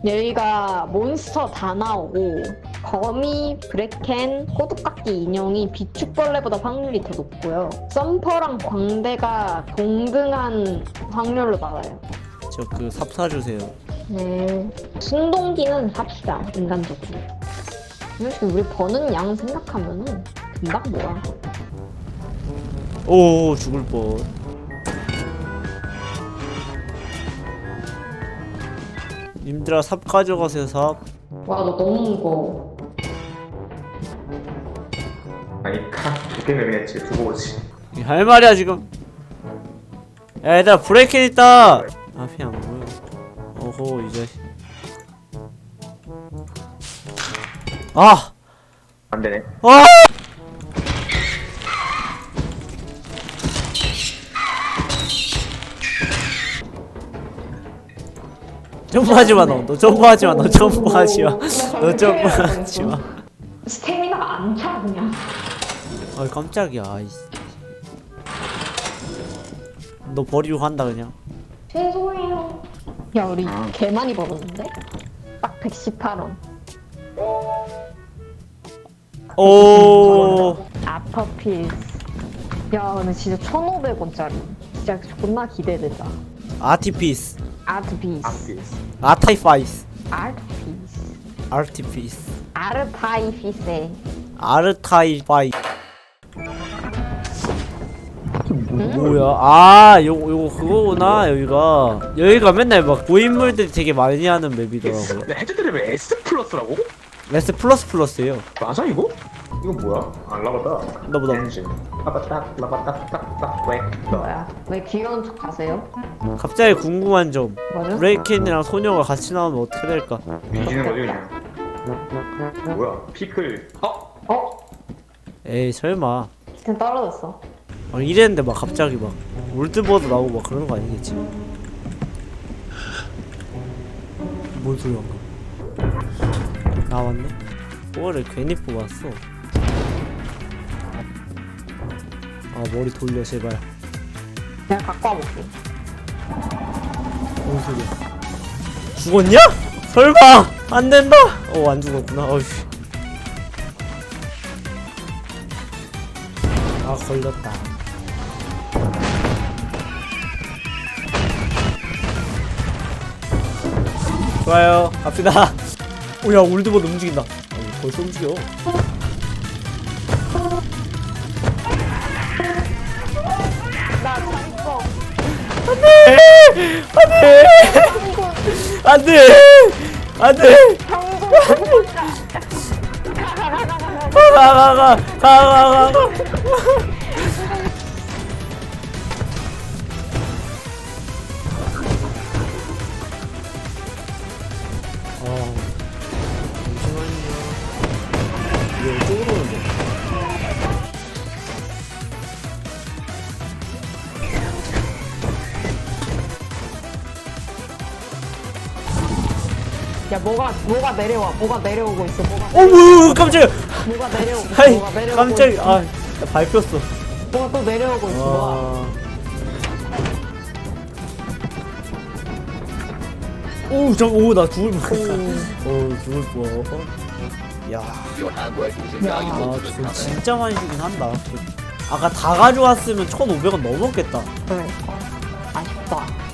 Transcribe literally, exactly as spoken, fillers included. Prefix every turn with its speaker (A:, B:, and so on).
A: 여기가 몬스터 다 나오고 거미, 브레켄, 꼬두깎이 인형이 비축벌레보다 확률이 더 높고요. 썸퍼랑 광대가 동등한 확률로 나와요.
B: 저 그 삽 사주세요.
A: 네. 순동기는 삽시다, 인간적으로. 솔직히 우리 버는 양 생각하면은 금방 모아.
B: 오 죽을 뻔. 님들아 삽 가져가세요 삽.
A: 와, 너 너무 무거워.
C: 아니 두 개는 그냥 집에 두고 오지.
B: 할 말이야 지금. 야 얘들아 브레이크 있다. 앞이 안 보여. 어허 이 자식. 아!
C: 안 되네.
B: 아! 점프하지마 너. 너 점프하지마 너 점프하지마. 너 점프하지마.
A: 스태미나가 안 차, 그냥.
B: 아 깜짝이야. 아이씨. 너 버리고 간다 그냥.
A: 죄송해요. 야, 우리 개 많이 벌었는데? 딱 백십팔 원.
B: 오.
A: 아퍼필스. 야, 근데 진짜 천오백 원짜리. 진짜 존나 기대된다.
B: 아티피스.
A: 아트피스.
C: 아피스.
B: 아타이파이스.
A: 아트피스.
B: 아티피스.
A: 아르타이피세.
B: 아르타이파이. 뭐야? 아, 요거 요거 그거구나. 여기가 여기가 맨날 막 고인물들이 되게 많이 하는 맵이더라고요.
C: 근데 해저드랩이 S 플러스라고?
B: 레스 플러스 플러스예요.
C: 맞아 이거? 이거 뭐야? 안 라바다.
B: 나보다.
C: 엔진. 라바딱 라바딱 딱딱 왜?
A: 뭐야? 왜 귀여운 척 하세요?
B: 갑자기 궁금한 점.
A: 뭐죠?
B: 브레이켄이랑 소녀가 같이 나오면 어떻게 될까?
C: 뒤지는 거지 그냥. 뭐야? 피클. 어?
A: 어?
B: 에이 설마.
A: 지금 떨어졌어.
B: 아, 이랬는데 막 갑자기 막 올드버드 나오고 막 그러는 거 아니겠지? 뭔 소리야? 나왔네? 그거를 괜히 뽑았어. 아 머리 돌려 제발.
A: 내가 갖고 와볼게.
B: 뭔 소리야? 죽었냐? 설마! 안 된다! 어, 안 죽었구나. 어이씨. 아, 걸렸다. 좋아요. 갑시다. 오, 야, 올드보드 움직인다. 아, 벌써 움직여.
A: 나 잘했어.
B: 안 돼! 안 돼! 가, 가, 가, 가, 가, 가, 가. 어, 잠시만요. 이거 이쪽으로 오는데.
A: 야, 뭐가 뭐가 내려와? 뭐가 내려오고 있어? 뭐가
B: 어머, 깜짝이야.
A: 뭐가 내려오고 있어?
B: 아이,
A: 뭐가 내려오고
B: 깜짝이야.
A: 있어?
B: 아, 나 밟혔어.
A: 뭐가 또 내려오고 있어? 뭐가?
B: 아. 오, 저, 오, 나 죽을 뻔했다. 오, 죽을 뻔. 야, 아, 저 진짜 많이 주긴 한다. 아까 다 가져왔으면 천오백 원 넘었겠다.
A: 그래. 아쉽다.